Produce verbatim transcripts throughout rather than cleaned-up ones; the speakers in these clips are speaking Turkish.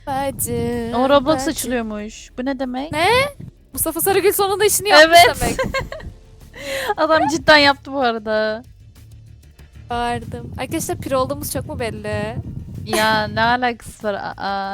Bacım. O Roblox bacım. açılıyormuş. Bu ne demek? Ne? Mustafa Sarıgül sonunda işini yapmış Evet. demek. Adam cidden yaptı bu arada. Bağırdım. Arkadaşlar pir olduğumuz çok mu belli? Ya ne alakası var? Aa.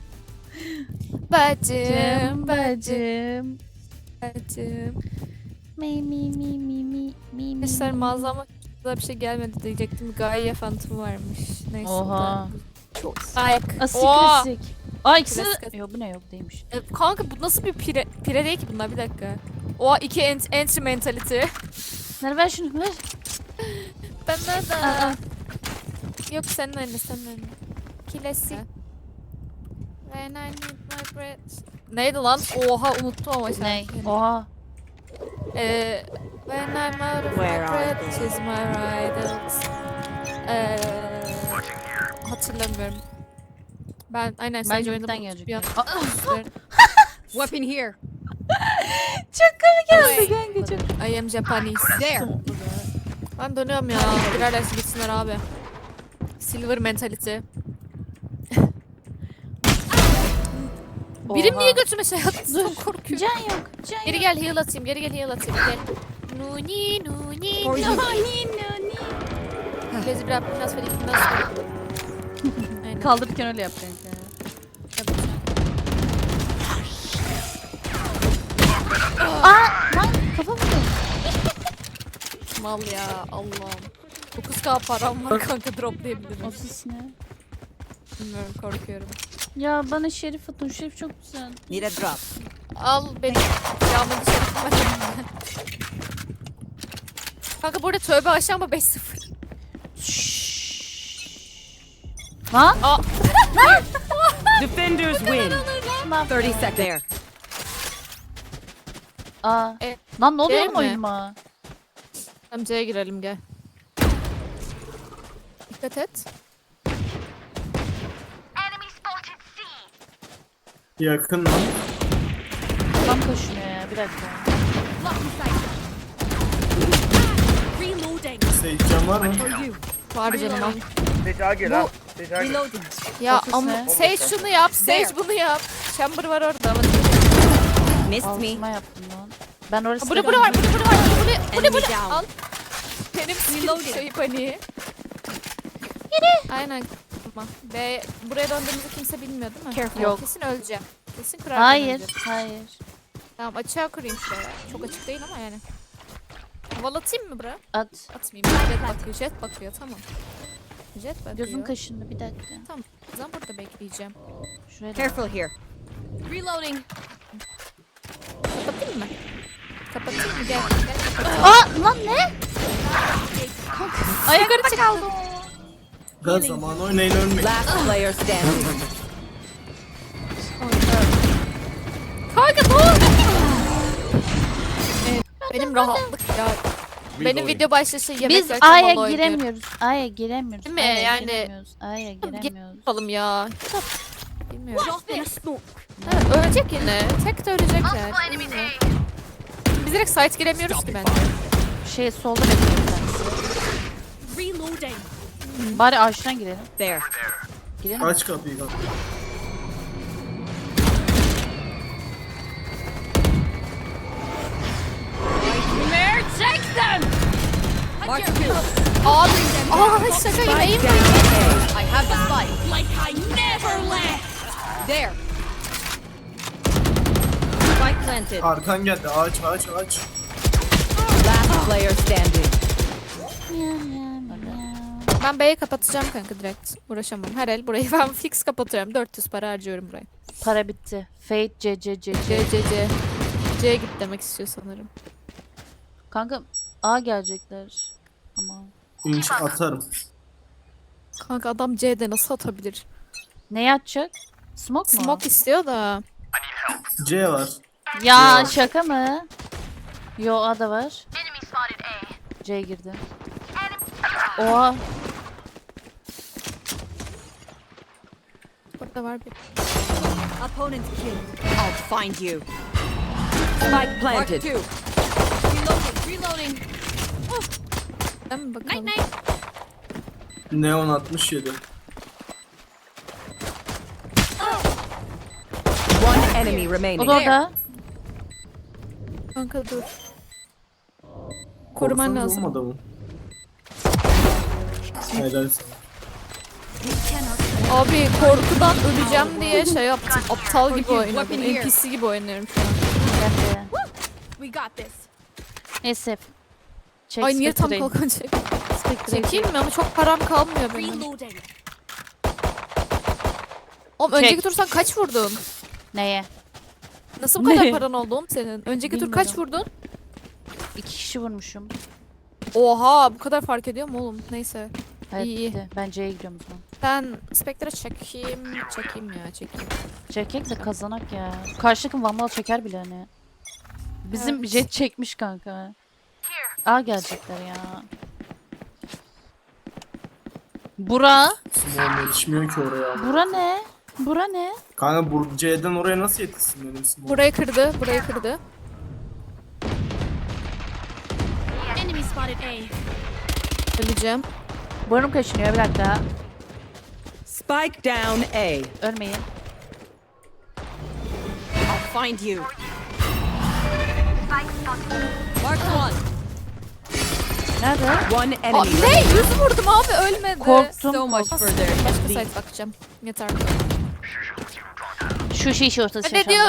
Bacım, Bacım, bacım, bacım. bacım. Mi mi mi mi mi mi mi. Arkadaşlar mağazama güzel bir şey gelmedi diyecektim. Gaye Phantom varmış. Neyse. Oha. Çok ayak. Asik Oha! klasik. Aa ikisi... Klasik. Yok bu ne yok değilmiş. E, Kanka bu nasıl bir pire, pire değil ki bunlar bir dakika. Oha iki ent entry mentality. Ver ver şunu ver. Ben de. Aa. Yok senin anne senin anne. Klasik. When I need my breath. Neydi lan? Oha unuttum ama şimdi. Ne? Oha. Ee, when I'm out of Where my are breath they? is my rivals. Ee, hatırlamıyorum. Ben aynen Ben sadece yurttan oynadım. gelecek. Bir an- Aa, Weapon here. çok komik geldi kanka çok. I am Japanese. There. Ben dönüyorum ya. Birer dersi gitsinler abi. Silver mentality. Birim Oha. niye götüme şey attı? Dur. Çok korkuyorum. Can yok. Can Geri yok. gel heal atayım. Geri gel heal atayım. Gel. Nuni nuni. For you. Lezi biraz biraz böyle biraz böyle. Aynen. Kaldırırken öyle yap kanka. Aa lan kafa vurdu. Mal ya Allah'ım. dokuz K param var kanka droplayabilirim. O sis ne? Bilmiyorum korkuyorum. Ya bana Şerif atın. Şerif çok güzel. Need a drop. Al benim yağmur dışarı var. Kanka burada tövbe aşağı ama beş sıfır. Lan. Aa. Defenders win. thirty seconds. There. Aa. E, Lan ne oluyor değil oğlum mi? oyunuma? Tamam C'ye girelim gel. Dikkat et. Yakın lan. Tam koşmuyor ya bir dakika. Reloading. Seyircan var mı? For you. Var canım al. Teca gel ha. Teca gel. Reloading. Ya Fokus ama ne? Sage şunu yap, Sage There. bunu yap. Chamber var orada ama. Missed me. Altıma yaptım lan. Ben orası Burada burada var, burada burada var. Bu ne? Bu ne bu Enemy ne? down. Al. Benim skill Reloading. şeyi paniği. Yine. Aynen. Tamam. B buraya döndüğümüzü kimse bilmiyor değil mi? Careful. Yok. Kesin öleceğim. Kesin kurarken Hayır, öleceğim. hayır. Tamam açığa kurayım şuraya. Çok açık değil ama yani. Havalatayım mı bura? At. Atmayayım. Jet bakıyor. Jet bakıyor. Tamam. Jet bakıyor. Gözüm kaşındı bir dakika. Tamam. O zaman burada bekleyeceğim. Şuraya da. Careful here. Reloading. Kapatayım mı? Kapatayım mı? Gel. Gel kapatayım. Aa lan ne? Ayakta kaldım. Gaz zamanı oynayın ölmeyin. Last player standing. Kanka ne oldu? Evet, benim rahatlık ya. Benim video başlaşı yemek Biz yerken A'ya Valo oynuyorum. giremiyoruz. A'ya giremiyoruz. Değil mi? A'ya Yani- giremiyoruz. A'ya giremiyoruz. Yapalım ya. Bilmiyorum. Evet, ölecek yine. Tek de ölecekler. Biz direkt site giremiyoruz ki bence. Şey solda bekliyorum ben. Reloading. Bari ağaçtan girelim. There. Girelim. Aç kapıyı kapı. Mark two. Abi. Aa şaka gibi eğim Down. var. I have the spike. Like I never left. There. Spike planted. Arkan geldi. Ağaç ağaç ağaç. Last player standing. Ben B'yi kapatacağım kanka direkt. Uğraşamam. Her el burayı ben fix kapatıyorum. dört yüz para harcıyorum buraya. Para bitti. Fate C C C C. C C C. C'ye git demek istiyor sanırım. Kanka A gelecekler. Ama İnç atarım. Kanka adam C'de nasıl atabilir? ne atacak? Smoke mu? Smoke istiyor da. C var. Ya Yok. şaka mı? Yo A da var. C girdi. Oha. Burada var bir. Opponent killed. I'll find you. Spike planted. Mark two. Reloading. Reloading. Değil mi bakalım? Neon altmış yedi. enemy O remaining. da orada. Kanka dur. Koruman Korksanız lazım. olmadı mı? Helal sana. Abi korkudan öleceğim diye şey yaptım. Aptal gibi oynadım. N P C gibi oynuyorum şu an. Ben de. We got this. Neyse. Çek Ay niye tam Spectre'yi. kalkan çek? Spectre'yi Çekeyim mi ama çok param kalmıyor benim. Oğlum Çek. önceki tur sen kaç vurdun? Neye? Nasıl bu kadar Ne? paran oldu oğlum senin? Önceki tur kaç vurdun? İki kişi vurmuşum. Oha bu kadar fark ediyor mu oğlum? Neyse. Evet İyi, iyi. bitti. Ben C'ye gidiyorum o zaman. Ben Spectre'a çekeyim. Çekeyim ya çekeyim. Çekek de kazanak ya. Karşı takım Vandal çeker bile hani. Bizim Evet. jet çekmiş kanka. A gelecekler ya. Bura. Simon yetişmiyor ki oraya. Bura ne? Bura ne? Kanka bu C'den oraya nasıl yetişsin benim Simon? Burayı kırdı. Burayı kırdı. Öleceğim. Burnum kaşınıyor bir dakika. Spike down A. Ölmeyin. I'll find you. Mark one. Nerede? One Aa, enemy. ne? Yüz vurdum abi ölmedi. Korktum. So much for their Başka defeat. site bakacağım. Yeter. Şu şiş ortası Ne diyor?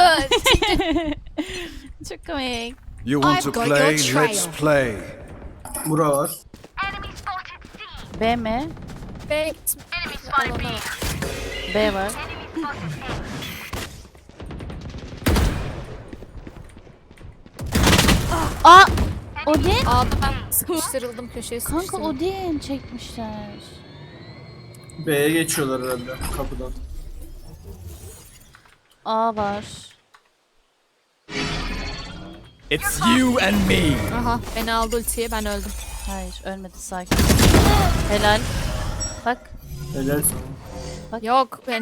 Çok komik. You want to I've got play? your trail. Let's play. Bura var. B mi? Be gitme. Alana. B var. Aa! Odin? A'da ben sıkıştırıldım köşeye Kanka sıkıştırıldım. Odin çekmişler. B'ye geçiyorlar herhalde kapıdan. A var. It's you and me. Aha beni aldı ultiye ben öldüm. Hayır ölmedi sakin. Helal. Bak. Helal sana. Yok ben...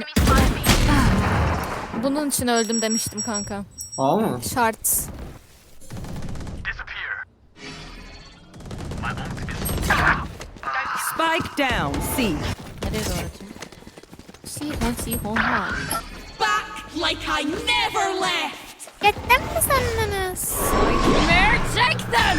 Bunun için öldüm demiştim kanka. A mı? Şart. Spike down C. Nereye doğru atayım? Sihon sihon ha. Like I never left. Gittin mi sendiniz? Take them.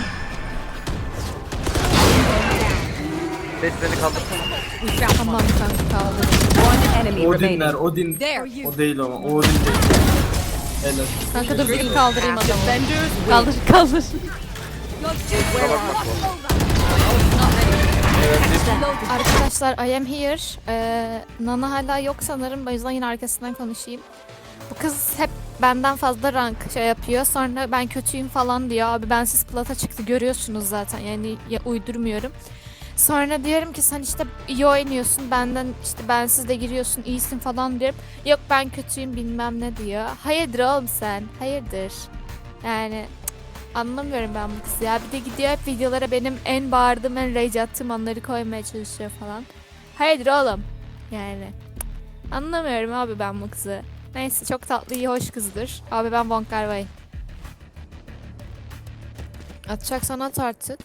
Sage beni kaldırsana. Tamam kanka kaldı. One enemy Odinler, remaining. Odin. There. O değil ama, o Odin değil. Helal. Kanka dur bir kaldırayım adamı. Defenders win. Kaldır kaldır. Arkadaşlar I am here. Ee, Nana hala yok sanırım. O yüzden yine arkasından konuşayım. Bu kız hep benden fazla rank şey yapıyor. Sonra ben kötüyüm falan diyor. Abi bensiz plata çıktı görüyorsunuz zaten. Yani ya, uydurmuyorum. Sonra diyorum ki sen işte iyi oynuyorsun. Benden işte bensiz de giriyorsun. İyisin falan diyorum. Yok ben kötüyüm bilmem ne diyor. Hayırdır oğlum sen? Hayırdır? Yani cık, anlamıyorum ben bu kızı ya. Bir de gidiyor hep videolara benim en bağırdığım, en rage attığım anları koymaya çalışıyor falan. Hayırdır oğlum? Yani cık, anlamıyorum abi ben bu kızı. Neyse çok tatlı, iyi, hoş kızdır. Abi ben Von Carvay. Atacaksan at artık.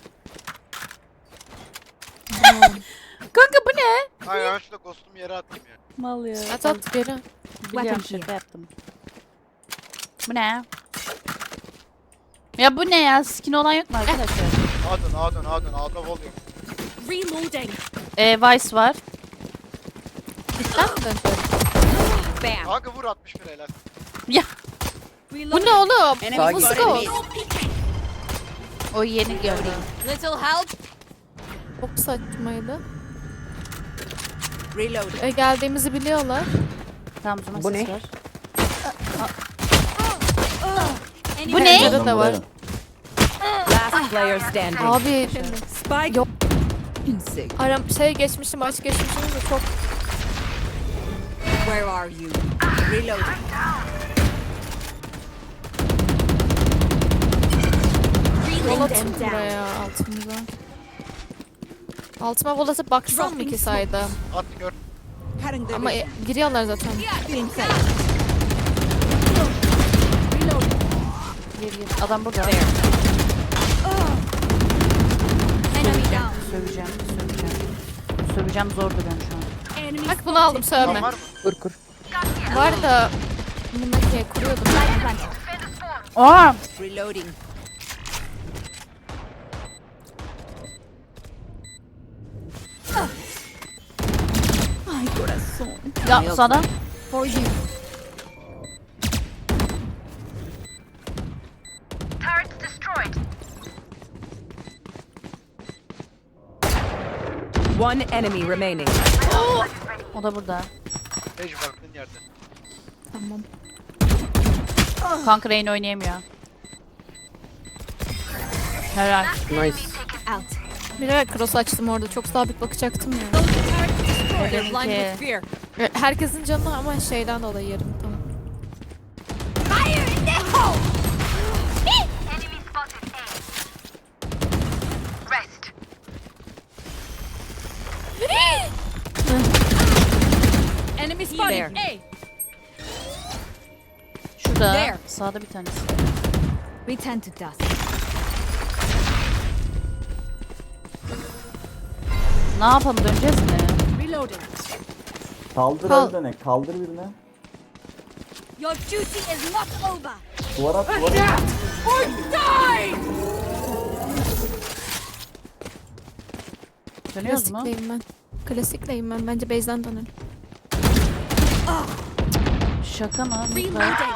Kanka bu ne? Hayır ben şurada ghost'umu yere attım ya. Mal ya. At at geri. Biliyorum şaka yaptım. Bu ne? Ya bu ne ya? Skin olan yok mu arkadaşlar? Adın adın adın A'da volume. Reloading. Ee, Vice var. Cidden mi? Bam. Kanka vur altmış bir helal. Ya Bu ne oğlum? Sakin. Bu nasıl gol? o yeni gördüm. Little help. Çok saçmaydı. Reloading. E, geldiğimizi biliyorlar. Tamam o zaman Bu ses ne? var. Bu ne? Pencere de var. Last player standing. Abi Spike. Yok. Insig. aram şey geçmişim, maç geçmişim de çok Where are you? Reloading. vol atın buraya altımıza. Altıma vol atıp baksam mı ki sayda? At gör. Ama e, giriyorlar zaten. Gir gir. Adam burada. There. Söveceğim, söveceğim. Söveceğim zor duruyorum şu an. Bak bunu aldım Tamam sövme. var mı? Kur kur. Var da Bundaki kuruyordum. Aa! Reloading. Ya sana. For you. One enemy remaining. O da burada. Sage baktığın yerde. Tamam. Kanka Reyna oynayamıyor. Helal. Nice. Bilerek cross açtım orada. Çok sabit bakacaktım ya. They're blind Okay. with fear. Herkesin canı ama şeyden dolayı yarım. Tamam. Enemy spotted. A. Şurada. There. Sağda bir tanesi. We tend to dust. Ne yapalım, döneceğiz mi? Reloading. Kaldır Kal- öldene, kaldır birine. Your duty is not over. Duvara at, duvara at. Or die. Dönüyoruz mu? Klasikleyim ben. Klasikleyim ben. Bence base'den dönelim. Şaka mı? Lütfen. Reloading.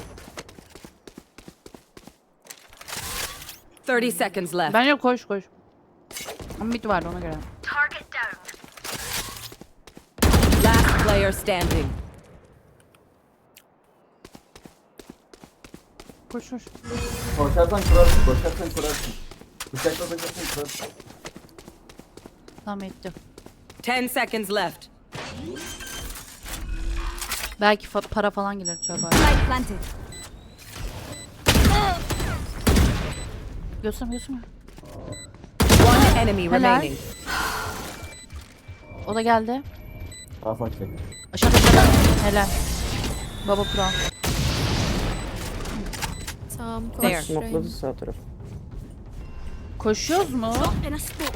Thirty seconds left. Bence koş koş. Ama mid vardı ona göre. Last player standing. Koş koş. Koşarsan kurarsın, koşarsan kurarsın. Bıçakla koşarsan kurarsın. Tamam etti. Ten seconds left. Belki fa- para falan gelir tövbe. Light planted. Gösterme gösterme. One enemy Helal. remaining. O da geldi. Rafa çek. Aşağıda aşağıda. Helal. Baba pro. Tamam. There. Koş. Smokladı sağ taraf. Koşuyoruz mu? In a spot.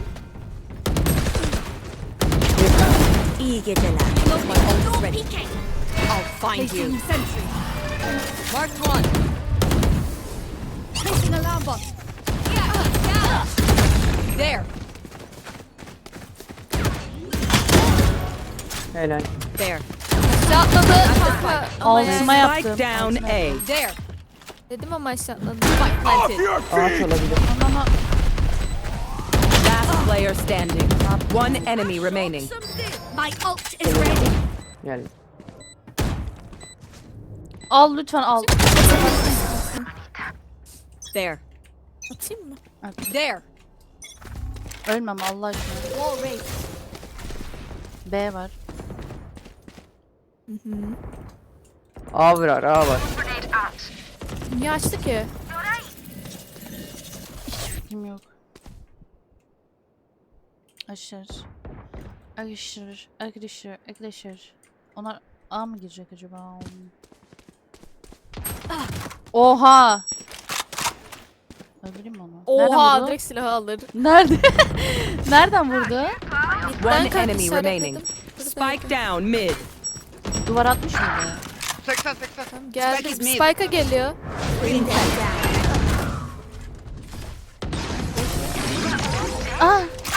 İyi geceler. My ult's ready. I'll find you. Sentry. Marked one. Placing alarm bot. There. Helal. There. Aşağı atladı. Kanka. Ama Altıma yani- yaptım. Spike down A. There. Dedim ama aşağı atladı. Spike planted. Ağaç olabilir. Ama Last player standing. One enemy remaining. My ult is ready. Geldi. al lütfen al. There. Atayım mı? There. Ölmem Allah aşkına. Wall raised. B var. A var, A var. Niye açtı ki? Kim yok. Aşır. Arkadaşlar. Arkadaşlar. Arkadaşlar. Onlar A mı girecek acaba? Oha. Öldüreyim mi onu? Nereden Oha vurdu? direkt silahı alır. Nerede? Nereden vurdu? One kanka enemy işaretledim. remaining. Spike down mid. Duvar atmış mıydı? seksen seksen. Tamam, geldi. Spike is mid. Spike'a geliyor. Aa!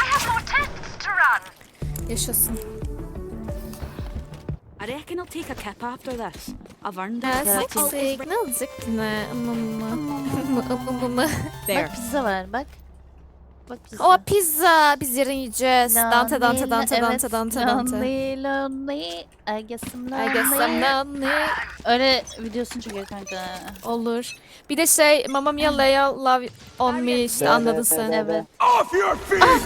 Yaşasın. I reckon I'll take a kip after this. I've earned Klasik. Ne olacak ne? There. Bak pizza var bak. Bak pizza. O pizza. Biz yarın yiyeceğiz. Dante Dante Lonely, Dante evet, Dante Dante Dante. Lonely, lonely. I guess I'm lonely. I guess I'm lonely. Öyle videosunu çekiyor kanka. Olur. Bir de şey Mamma Mia Leia Love on Me işte Evet, anladın evet, sen. evet. Evet. Off your feet!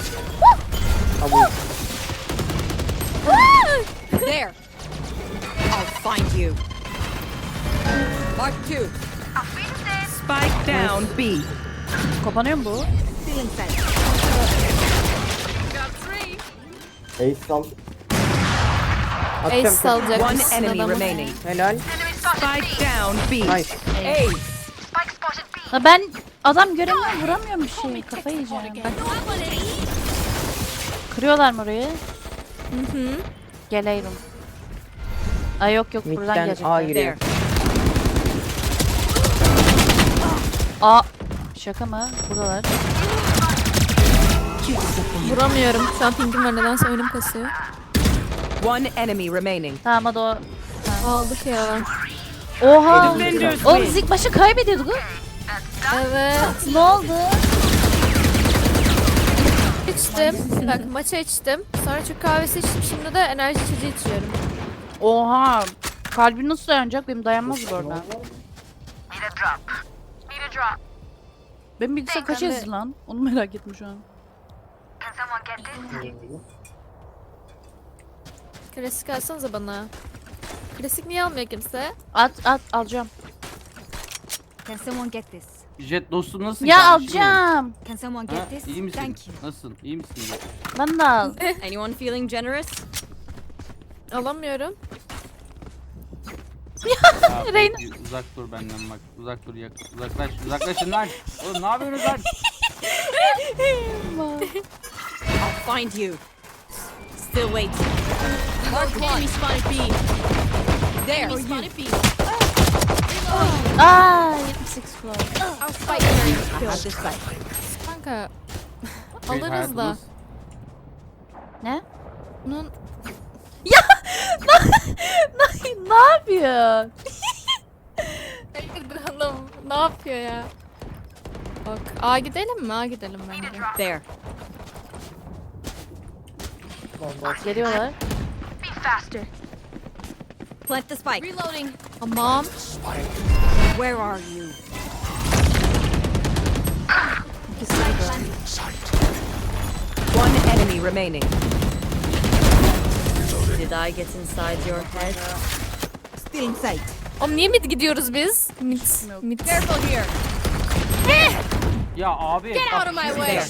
There. I'll find you. Mark two. Spike down B. Kapanıyor mu bu? Feeling fence. Ace sal. Ace Atacağım. salacak One mısın enemy adamı? remaining. Helal. Spike down B. Nice. Ace. Ha ben adam göremiyorum, vuramıyorum bir şey. Kafayı yiyeceğim. Bak. Kırıyorlar mı orayı? Hı hı. Geliyorum. Ay yok yok buradan Mid'den gelecekler. A giriyor. There. A. Şaka mı? Buradalar. Vuramıyorum. Şu an pingim var. Nedense oyunum kasıyor. One enemy remaining. Tamam hadi o. Aldık ya. Oha. Defenders Oğlum win. biz ilk başta kaybediyorduk. Evet. Ne oldu? İçtim. Bak maça içtim. Sonra Türk kahvesi içtim. Şimdi de enerji içeceği içiyorum. Oha. Kalbin nasıl dayanacak? Benim dayanmaz bu arada. Benim bilgisayar kaç Ben de- yazdı lan? Onu merak ettim şu an. Klasik alsanıza bana. Klasik niye almıyor kimse? At at alacağım. Can someone get this? Jet dostum nasılsın? Ya kardeşim? alacağım. Can someone Ha, get this? iyi misin? Thank you. Nasılsın? İyi misin Jet? Ben de al. Anyone feeling generous? Alamıyorum. Ya, Reyna. peki, uzak dur benden bak. Uzak dur yak. Uzaklaş. Uzaklaşın lan. Oğlum ne yapıyorsunuz lan? I'll find you. Still waiting. Mark one. Enemy spotted B. There. Enemy spotted B. Aa yetmiş sekiz kulak. I'll fight you. At this side. Kanka. Şey, Alırız da. hayatımız- Ne? Bunun ne yapıyor? Hanım ne yapıyor ya? Bak A gidelim mi? A gidelim bence. There. Geliyorlar. Plant the spike. Reloading. Tamam. Where are you? One enemy remaining. Did I get inside your head? Still in sight. Oğlum niye mid gidiyoruz biz? Mid. Mid. Careful here. Ya abi. Get out of my way.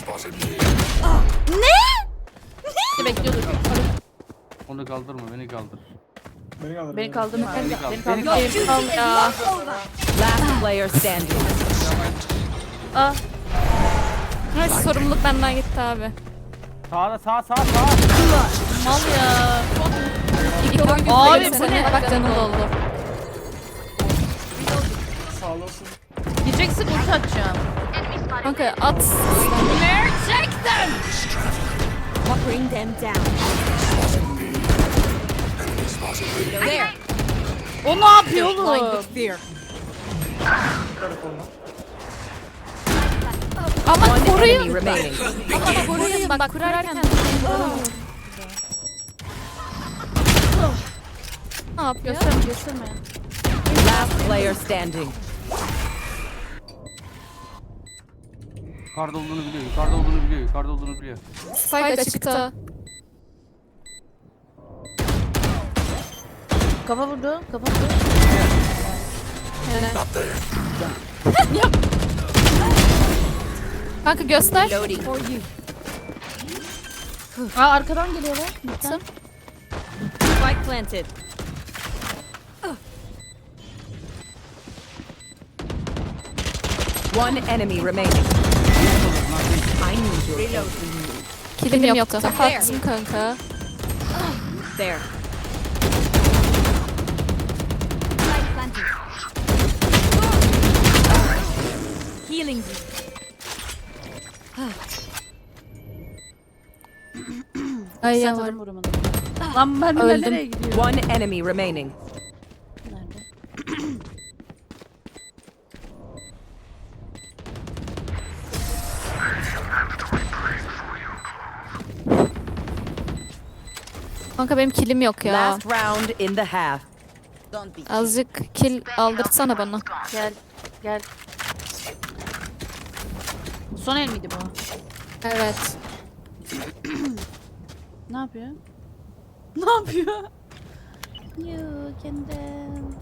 Bekliyorduk. Onu kaldırma beni kaldır. Beni kaldırma. Beni kaldır. Beni Beni kaldır. kaldır. Al ya. Last player standing. Aa. Evet, sorumluluk benden gitti abi. Sağda sağ sağ sağ. Mal ya. İlk oyun Abi, abi bu seni. ne? Bak canım doldu. Gireceksin ulti atacağım. Kanka at. Bring them down. There. O ne yapıyor Blind oğlum? with fear. Ama One enemy koruyun. remaining. Ama koruyun. Bak kurarken. Ne yapıyor? Gösterme gösterme. Last player standing. Yukarıda olduğunu biliyor. Yukarıda olduğunu biliyor. Yukarıda olduğunu biliyor. Spike açıkta. Kafa vurdu. Kafa vurdu. Kanka göster. Loading. Aa arkadan geliyorlar. Lütfen. Spike planted. One enemy remaining. I need your reload. Kilim yoktu. Attım kanka. There. Healing. Ay ya var. Sanırım vuramadım. Lan mermiler Öldüm. nereye gidiyor? One enemy remaining. Nerede? Kanka benim kilim yok ya. Last round in the half. Don't be. Azıcık kill aldırtsana bana. Gel. Gel. Son el miydi bu? Evet. Ne yapıyor? Ne yapıyor? You can dance.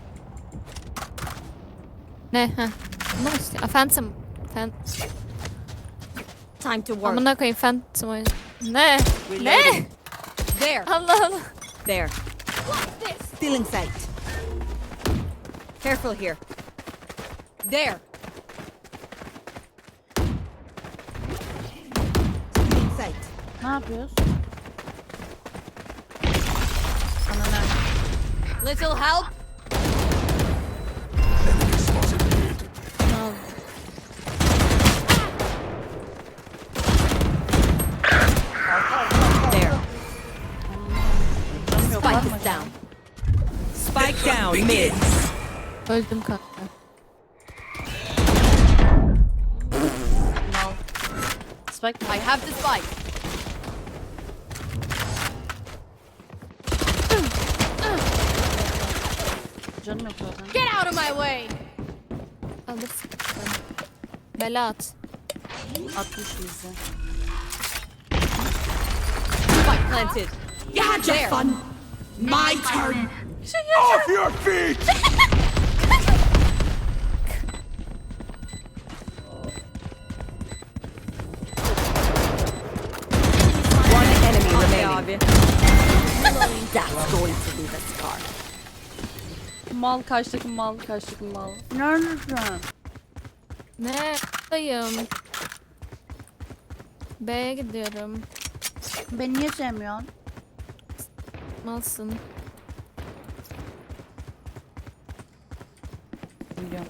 Ne? Heh. Bunu mu istiyor? Aa, Phantom. Phan Time to work. Amına koyayım Phantom oyun. Ne? Ne? There. Allah Allah. There. Still in sight. Careful here. There. Still in sight. Ne yapıyoruz? Ananı. Little help. There. Spike is down. Spike down mid. Öldüm kanka. Spike I have the spike. canım yok zaten. Get out of my way. Alırsın. Bela at. altmış yüzde. Spike planted. You had your fun. My turn. Off your feet! One enemy remaining. That's going to be the scar. Mal kaç takım mal kaç takım mal. Neredesin? Ne? Dayım. B'ye gidiyorum. Beni niye sevmiyorsun? Malsın. Biliyorum.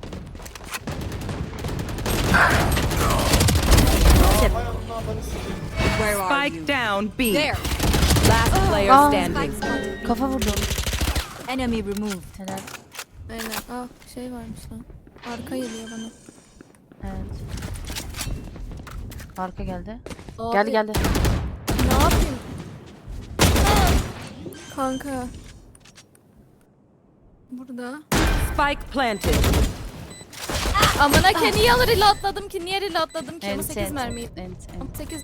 Where are you? Spike down B. There. Last player Aa. standing. Kafa vurdum. Enemy removed. Helal. Aynen. Ah şey varmış lan. Arka geliyor bana. Evet. Arka geldi. Abi, Geldi geldi. Ne yapayım? Kanka. Burada. Spike planted. Amına ke niye alır reloadladım ki? Niye reloadladım ki? Ama Ent, sekiz ent, mermi. ent, ent. Ama sekiz.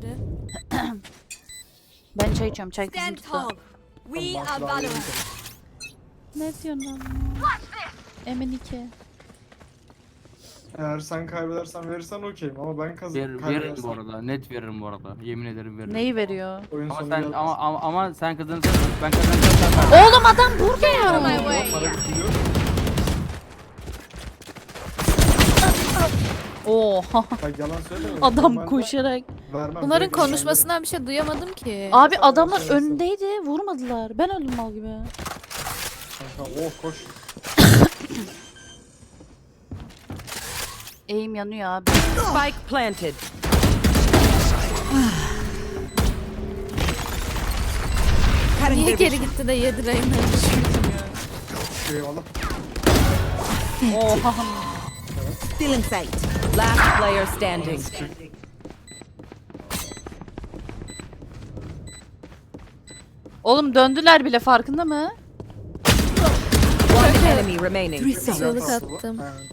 Ben çay içiyorum. Çay kızım Stand tuttu. tall. We are Valorant. Ne diyorsun lan? Emin iki. Eğer sen kaybedersen verirsen okeyim ama ben kazan Ver, veririm bu arada. Net veririm bu arada. Yemin ederim veririm. Neyi veriyor? Oyun Ama sonu sen gelmez. ama, ama ama sen kazanırsan ben kazanırsam ben Oğlum adam burada ya. My way. Para gidiyor. Oha. Bak yalan söyleme. Adam Normalde koşarak. vermem. Bunların Direkt konuşmasından bir şey duyamadım ki. Abi adamlar önündeydi. Vurmadılar. Ben öldüm mal gibi. Kanka oh koş. Eğim yanıyor abi. Spike planted. Niye geri gitti de yedi Reyna? Eyvallah. Oha. Still in sight. Last player standing. Oğlum döndüler bile farkında mı? One enemy remaining. Çığlık attım. Evet.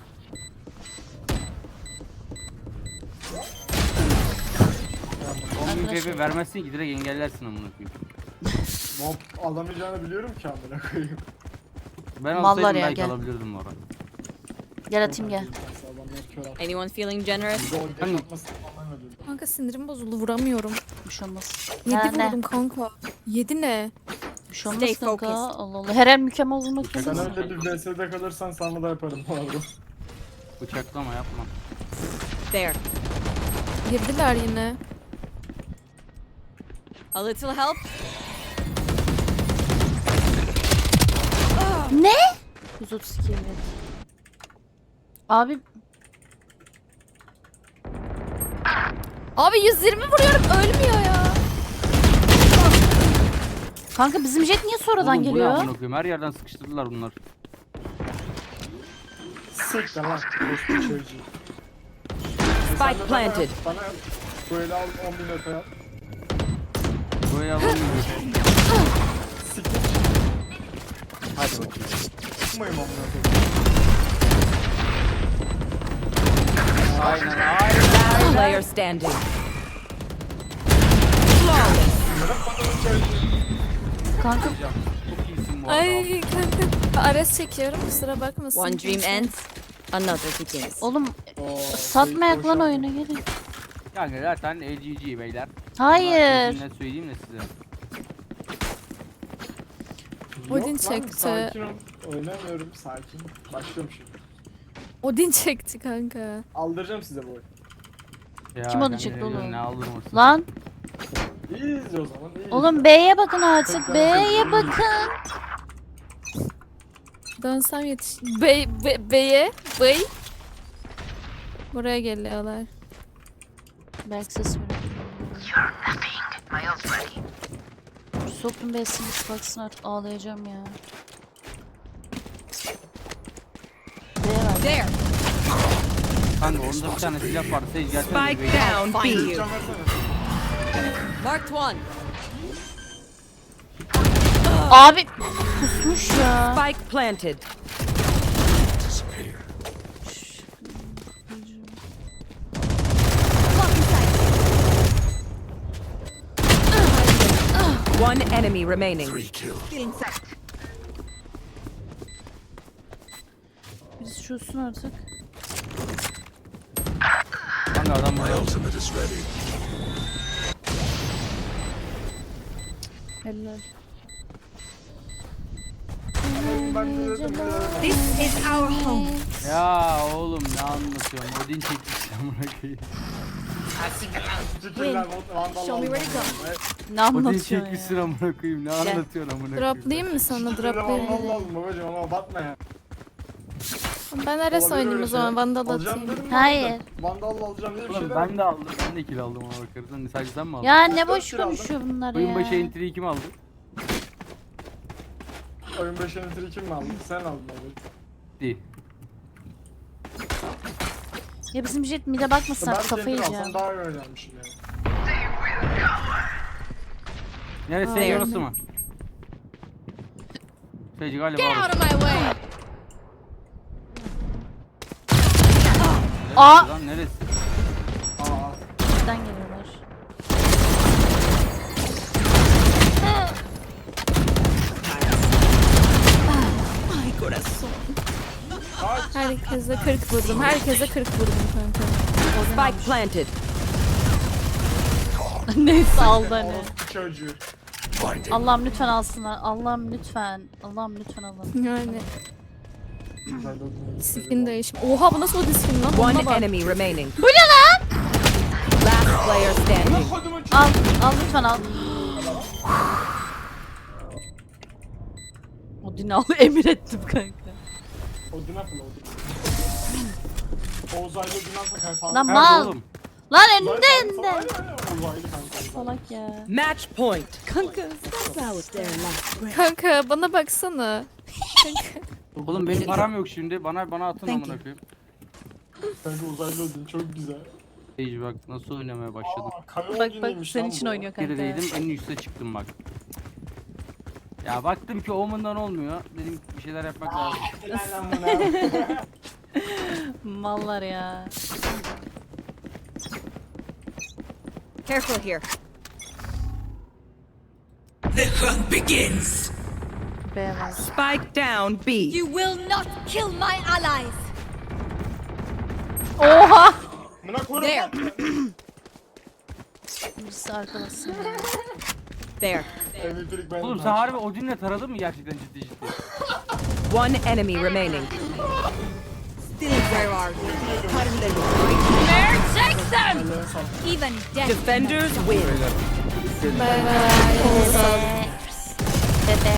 on bin C P vermezsin ki direkt engellersin amına koyayım. Mob alamayacağını biliyorum ki amına koyayım. Ben Mallar olsaydım ya, belki gel. alabilirdim bu arada. Gel atayım gel. Adamlar kör attı. Anyone feeling generous? Gol Hani- atması tamamen öldürdü. Kanka sinirim bozuldu vuramıyorum. Bir şey olmaz. Yedi Ha, ne? vurdum kanka. Yedi ne? Bir şey Stay olmaz kanka. focused. Allah Allah. Her el mükemmel olmak Sen zorunda. öyle bir V S'de kalırsan sana da yaparım bu arada. Bıçaklama yapma. There. Girdiler yine. A little help. Ne? yüz otuz iki evet. Abi Abi yüz yirmi vuruyorum ölmüyor ya. kanka bizim jet niye sonradan Oğlum, bu ne geliyor? amına koyayım? Her yerden sıkıştırdılar bunlar. Siktir lan. Boş bir çocuğu. Spike planted. Bana böyle al on bin öpe yap. Böyle alamıyorum. Siktir. Hadi bakayım. Çıkmayayım amına koyayım. Aynen aynen. Last player standing. Kanka Çok iyisin bu arada. Ay kanka. Ares çekiyorum kusura bakmasın. One dream kimse. ends. Another begins. oğlum Oo, satmayak lan oyunu gelin. Yani zaten L G G beyler. Hayır. Ne söyleyeyim de size. Odin Yok lan, çekti. Sakin ol. Oynamıyorum sakin. Başlıyorum şimdi. Odin çekti kanka. Aldıracağım size bu oyunu. Ya, Kim onu ben çekti de oğlum? Ne aldırmasın. Lan İyiyiz o zaman iyiyiz. oğlum B'ye bakın artık. B'ye bakın. Dönsem yetiş... Bey, be, beye, bey. Buraya geliyorlar. Belki ses verir. Sokun besin baksın artık ağlayacağım ya. B'ye ver. There. Kanka onda bir tane silah var. Sage gelsene. Spike bir- down Find B. you. Marked one. Abi kusmuş ya. Spike planted. One enemy remaining. Biz şusun artık. Kanka adam buraya. Helal. This is our home. Ya oğlum ne anlatıyorsun? Odin çekmiş amına koyayım. Fikirler, vandal Show me where to aldım. Ne Odin anlatıyorsun çekmişsin ya? amına koyayım. Ne anlatıyorsun amına koyayım? Droplayayım mı sana? Fikirler, Droplayayım. vandal aldım babacım ama batma ya. Ben Ares Olabilir oynayayım öyle o zaman. şeyler. Vandal Alacağım atayım. dedim, Hayır. Vandal alacağım diye bir şey Oğlum demedim. ben de aldım. Ben de kill aldım ama bakarsan. Sadece sen mi aldın? Ya ne dört boş lira aldım. konuşuyor bunlar Oyun başı ya. entry'yi kim aldı? Oyun başı entry kim mi aldın? Sen aldın abi. Değil. Ya bizim jet mide bakmasın Ben artık kafayı entry yiyeceğim. alsam daha iyi oynarmışım yani. Neresi? Hayır. Orası mı? Sage galiba Out orası. of my way. Aa! Lan neresi? Aa, Bizden geliyorlar. Herkese kırk vurdum. Herkese kırk vurdum kanka. Spike planted. Neyse aldı hani. orospu çocuğu. Allah'ım lütfen alsınlar. Allah'ım lütfen. Allah'ım lütfen alın. Yani Güzel oldu. skin değişim. Oha bu nasıl o diskin lan? One Ona bak. enemy remaining. Bu ne lan? Last player standing. Al. Al lütfen al. Odin al. Emir ettim kanka. Odin atın Odin. Oğuz Aylı Odin atın kanka. Lan Nerede mal. oğlum? Lan önünde önünde. Aynen aynen. Oğuz Aylı kanka. Salak ya. Match point. Kanka bana baksana. Oğlum benim param yok şimdi. Bana bana atın amına koyayım. Kanka Oğuz Aylı Odin çok güzel. Sage bak nasıl oynamaya başladım. Aa, Kale Bak bak Odin'iymiş senin lan için bu. oynuyor kanka. Gerideydim en üste çıktım bak. Ya baktım ki Omen'dan olmuyor. Dedim bir şeyler yapmak lazım. Lan bunu. Mallar ya. Careful here. B var. Spike down B. You will not kill my allies. Oha! Buna koyun There. lan. Birisi arkadasın ya. There. Elektrik ben. Oğlum sen harbi Odin'le taradın mı gerçekten ciddi ciddi? One enemy remaining. Still where are you? Even death. Defenders win. Bay bay. Dede.